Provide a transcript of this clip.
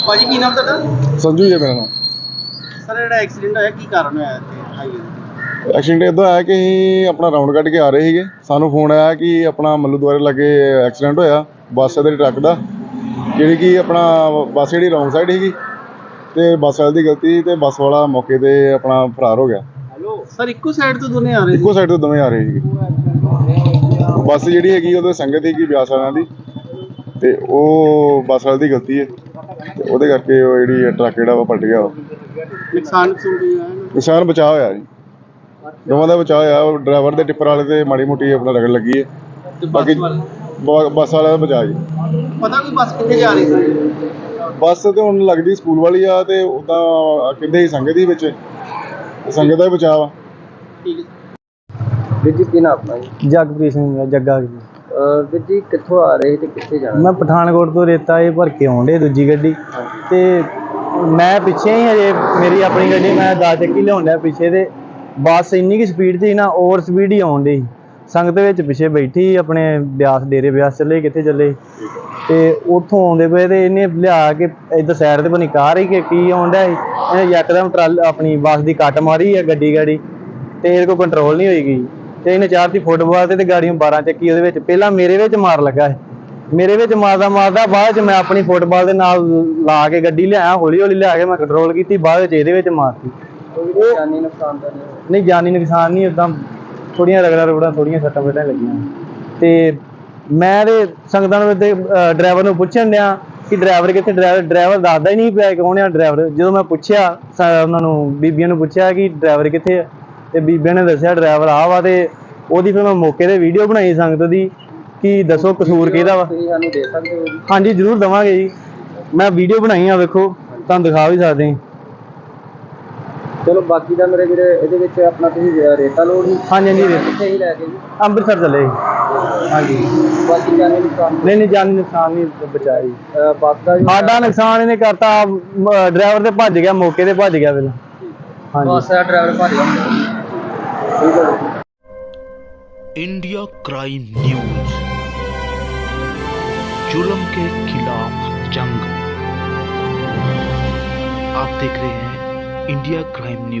ਭਾਜੀ ਕੀ ਨਾਮ ਤੁਹਾਡਾ? ਸੰਜੂ ਜੀ ਮੇਰਾ ਨਾਮ। ਸਰ ਜਿਹੜਾ ਐਕਸੀਡੈਂਟ ਹੋਇਆ ਕੀ ਕਾਰਨ ਹੋਇਆ ਇੱਥੇ ਹਾਈਵੇ? ਐਕਸੀਡੈਂਟ ਇੱਦਾਂ ਹੋਇਆ ਕਿ ਅਸੀਂ ਆਪਣਾ ਰਾਊਂਡ ਕੱਢ ਕੇ ਆ ਰਹੇ ਸੀਗੇ। ਸਾਨੂੰ ਫੋਨ ਆਇਆ ਕਿ ਆਪਣਾ ਮੱਲੂ ਦੁਆਰੇ ਲਾਗੇ ਐਕਸੀਡੈਂਟ ਹੋਇਆ ਬੱਸ ਦੇ ਟਰੱਕ ਦਾ, ਜਿਹੜੀ ਕਿ ਆਪਣਾ ਬੱਸ ਜਿਹੜੀ ਰੌਂਗ ਸਾਈਡ ਸੀਗੀ ਅਤੇ ਬੱਸ ਵਾਲੇ ਦੀ ਗਲਤੀ ਅਤੇ ਬੱਸ ਵਾਲਾ ਮੌਕੇ 'ਤੇ ਆਪਣਾ ਫਰਾਰ ਹੋ ਗਿਆ। ਸਰ ਇੱਕੋ ਸਾਈਡ ਤੋਂ ਦੋਨੇ ਆ ਰਹੇ ਇੱਕੋ ਸਾਈਡ ਤੋਂ ਦੋਵੇਂ ਆ ਰਹੇ ਸੀਗੇ। ਬੱਸ ਜਿਹੜੀ ਹੈਗੀ ਉਹਦੇ ਸੰਗਤ ਸੀਗੀ ਬਿਆਸ ਵਾਲਿਆਂ ਦੀ, ਅਤੇ ਉਹ ਬੱਸ ਵਾਲੇ ਦੀ ਗਲਤੀ ਹੈ ਅਤੇ ਉਹਦੇ ਕਰਕੇ ਉਹ ਜਿਹੜੀ ਟਰੱਕ ਜਿਹੜਾ ਵਾ ਪਲਟ ਗਿਆ। ਨੁਕਸਾਨ ਨੁਕਸਾਨ ਬਚਾਅ ਹੋਇਆ ਜੀ, ਦੋਵਾਂ ਦਾ ਬਚਾਅ ਹੋਇਆ। ਉਹ ਡਰਾਈਵਰ ਦੇ ਟਿੱਪਰ ਵਾਲੇ ਤੇ ਮਾੜੀ ਮੋਟੀ ਆਪਣਾ ਰਗੜ ਲੱਗੀ ਹੈ, ਬਾਕੀ ਬੱਸ ਵਾਲਿਆਂ ਦਾ ਬਚਾਅ ਜੀ। ਪਤਾ ਕੋਈ ਬੱਸ ਕਿੱਥੇ ਜਾ ਰਹੀ ਸੀ? ਬੱਸ ਤੇ ਹੁਣ ਲੱਗਦੀ ਸਕੂਲ ਵਾਲੀ ਆ, ਤੇ ਉੱਦਾਂ ਕਹਿੰਦੇ ਸੀ ਸੰਗਤ ਹੀ ਵਿੱਚ, ਸੰਗਤ ਦਾ ਹੀ ਬਚਾਅ ਵਾ। ਠੀਕ ਹੈ ਵੀਰ ਜੀ, ਕੀ ਨਾਮ ਆਪਣਾ ਜੀ? ਜਗਪ੍ਰੀਤ ਸਿੰਘ ਜੱਗਾ ਜੀ। ਵੀਰ ਜੀ ਕਿੱਥੋਂ ਆ ਰਹੇ ਤੇ ਕਿੱਥੇ ਜਾਣਾ? ਮੈਂ ਪਠਾਨਕੋਟ ਤੋਂ ਰੇਤਾ ਇਹ ਭਰ ਕੇ ਆਉਣ ਡੇ ਦੂਜੀ ਗੱਡੀ, ਤੇ ਮੈਂ ਪਿੱਛੇ ਹੀ ਹਜੇ ਮੇਰੀ ਆਪਣੀ ਗੱਡੀ ਮੈਂ 10 ਚੱਕੀ ਲਿਆਉਣ ਡਿਆ ਪਿੱਛੇ, ਤੇ ਬੱਸ ਇੰਨੀ ਕੁ ਸਪੀਡ 'ਚ ਸੀ ਨਾ, ਓਵਰ ਸਪੀਡ ਹੀ ਆਉਣ ਡਈ। ਸੰਗਤ ਵਿੱਚ ਪਿੱਛੇ ਬੈਠੀ ਆਪਣੇ ਬਿਆਸ ਡੇਰੇ ਬਿਆਸ ਚੱਲੇ ਕਿੱਥੇ ਚੱਲੇ, ਤੇ ਉੱਥੋਂ ਆਉਂਦੇ ਪਏ ਤੇ ਇਹਨੇ ਲਿਆ ਕੇ ਇੱਧਰ ਸਾਈਡ 'ਤੇ ਬਣੀ ਕਾਰ ਹੀ ਕਿ ਕੀ ਆਉਣ ਡਿਆ ਸੀ, ਇਹਨੇ ਯਕਦਮ ਆਪਣੀ ਬੱਸ ਦੀ ਕੱਟ ਮਾਰੀ ਆ ਗੱਡੀ ਤੇ ਇਹਦੇ ਕੋਲ ਕੰਟਰੋਲ ਨਹੀਂ ਹੋਈ ਗਈ, ਤੇ ਇਹਨੇ ਚਾੜਤੀ ਫੁੱਟਬਾਲ ਤੇ ਗਾੜੀਆਂ 12 ਚੱਕੀ ਉਹਦੇ ਵਿੱਚ। ਪਹਿਲਾਂ ਮੇਰੇ ਵਿੱਚ ਮਾਰ ਲੱਗਾ ਹੈ, ਮੇਰੇ ਵਿੱਚ ਮਾਰਦਾ ਬਾਅਦ 'ਚ ਮੈਂ ਆਪਣੀ ਫੁੱਟਬਾਲ ਦੇ ਨਾਲ ਲਾ ਕੇ ਗੱਡੀ ਲਿਆਇਆ, ਹੌਲੀ ਲਿਆ ਕੇ ਮੈਂ ਕੰਟਰੋਲ ਕੀਤੀ, ਬਾਅਦ ਵਿੱਚ ਇਹਦੇ ਵਿੱਚ ਮਾਰਤੀ। ਕੋਈ ਜਾਨੀ ਨੁਕਸਾਨ ਤਾਂ ਨਹੀਂ, ਜਾਨੀ ਨੁਕਸਾਨ ਨਹੀਂ, ਉੱਦਾਂ ਥੋੜ੍ਹੀਆਂ ਰਗੜਾਂ ਥੋੜ੍ਹੀਆਂ ਸੱਟਾਂ ਫੇਟਾਂ ਲੱਗੀਆਂ। ਤੇ ਮੈਂ ਤੇ ਸੰਗਤਾਂ ਨੂੰ ਤੇ ਡਰਾਈਵਰ ਨੂੰ ਪੁੱਛਣ ਡਿਆ ਕਿ ਡਰਾਈਵਰ ਕਿੱਥੇ, ਡਰਾਈਵਰ ਦੱਸਦਾ ਹੀ ਨਹੀਂ ਪਿਆ ਕੌਣ ਆ ਡਰਾਈਵਰ। ਜਦੋਂ ਮੈਂ ਪੁੱਛਿਆ ਉਹਨਾਂ ਨੂੰ, ਬੀਬੀਆਂ ਨੂੰ ਪੁੱਛਿਆ ਕਿ ਡਰਾਈਵਰ ਕਿੱਥੇ ਆ, ਤੇ ਬੀਬੀਆਂ ਨੇ ਦੱਸਿਆ ਡਰਾਈਵਰ ਆ ਵਾ, ਤੇ ਉਹਦੀ ਫਿਰ ਮੈਂ ਮੌਕੇ 'ਤੇ ਵੀਡੀਓ ਬਣਾਈ ਸੰਗਤ ਦੀ ਕਿ ਦੱਸੋ ਕਸੂਰ ਕਿਹਦਾ ਵਾ। ਤੁਸੀਂ ਸਾਨੂੰ ਦੇ ਸਕਦੇ ਹੋ ਜੀ? ਹਾਂਜੀ ਜ਼ਰੂਰ ਦੇਵਾਂਗੇ ਜੀ, ਮੈਂ ਵੀਡੀਓ ਬਣਾਈ ਆ, ਵੇਖੋ ਤੁਹਾਨੂੰ ਦਿਖਾ ਵੀ ਸਕਦੇ ਹਾਂ। ਚਲੋ ਬਾਕੀ ਦਾ ਮੇਰੇ ਵੀਰੇ ਇਹਦੇ ਵਿੱਚ ਆਪਣਾ ਤੁਸੀਂ ਰੇਤਾ ਲੋਡ ਹੀ? ਹਾਂਜੀ ਕਿੱਥੇ ਹੀ ਲੈ ਕੇ ਜੀ? ਅੰਮ੍ਰਿਤਸਰ ਚੱਲੇ। ਹਾਂਜੀ ਬਾਕੀ ਜਾਨੀ ਨੁਕਸਾਨ ਨਹੀਂ, ਜਾਨੀ ਨੁਕਸਾਨ ਨਹੀਂ ਬਚਾਇਆ ਜੀ। ਬੱਸ ਦਾ ਸਾਡਾ ਨੁਕਸਾਨ ਇਹਨੇ ਕਰਤਾ, ਡਰਾਈਵਰ ਤੇ ਭੱਜ ਗਿਆ, ਮੌਕੇ ਤੇ ਭੱਜ ਗਿਆ ਪਹਿਲਾਂ। ਹਾਂਜੀ, ਬੱਸ ਦਾ ਡਰਾਈਵਰ ਭੱਜ ਗਿਆ। ਠੀਕ ਹੈ। इंडिया क्राइम न्यूज, जुल्म के खिलाफ जंग। आप देख रहे हैं इंडिया क्राइम न्यूज।